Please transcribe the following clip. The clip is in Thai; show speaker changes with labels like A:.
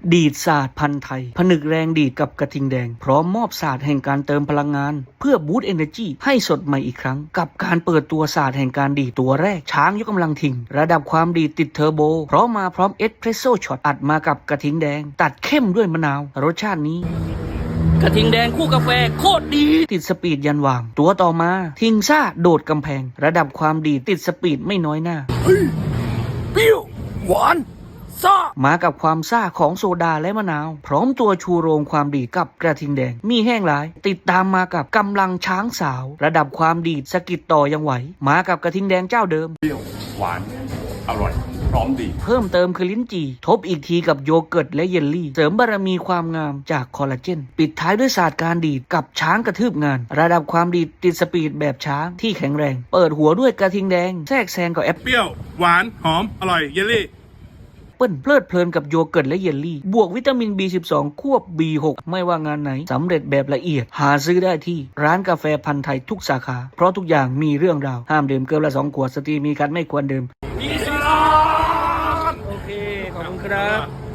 A: ดีดศาสตร์พันธุ์ไทยผนึกแรงดีดกับกระทิงแดงพร้อมมอบศาสตร์แห่งการเติมพลังงานเพื่อบูสต์เอเนอร์จีให้สดใหม่อีกครั้งกับการเปิดตัวศาสตร์แห่งการดีดตัวแรกช้างยกกำลังทิงระดับความดีดติดเทอร์โบเพราะมาพร้อมเอสเพรสโซ่ช็อตอัดมากับกระทิงแดงตัดเข้มด้วยมะนาวรสชาตินี้กระทิงแดงคู่กาแฟโคตรดีติดสปีดยันวางตัวต่อมาทิงซ่าโดดกำแพงระดับความดีติดสปีดไม่น้อยหน้าเฮ้ยเปรี้ยวหวานซ่ามากับความซ่าของโซดาและมะนาวพร้อมตัวชูโรงความดีกับกระทิงแดงมีแห้งหลายติดตามมากับกำลังช้างสาวระดับความดีสกิดต่อยังไหวมากับกระทิงแดงเจ้าเดิม
B: เปรี้ยวหวานอร่อยพร้อมดี
A: เพิ่มเติมคือลิ้นจี่ทบอีกทีกับโยเกิร์ตและเยลลี่เสริมบารมีความงามจากคอลลาเจนปิดท้ายด้วยศาสตร์การดีดกับช้างกระทืบงานระดับความดีดติดสปีดแบบช้างที่แข็งแรงเปิดหัวด้วยกระทิงแดงแทรกแซงกับแอป
B: เปรี้ยวหวานหอมอร่อยเยลลี่
A: เปิ้ลเพลิดเพลินกับโยเกิร์ตและเยลลี่บวกวิตามิน B12 ควบ B6 ไม่ว่างานไหนสำเร็จแบบละเอียดหาซื้อได้ที่ร้านกาแฟพันธุ์ไทยทุกสาขาเพราะทุกอย่างมีเรื่องราวห้ามดื่มเกินละ2 ขวดสตรีมีคันไม่ควรดื่มโอเคขอบคุณครับ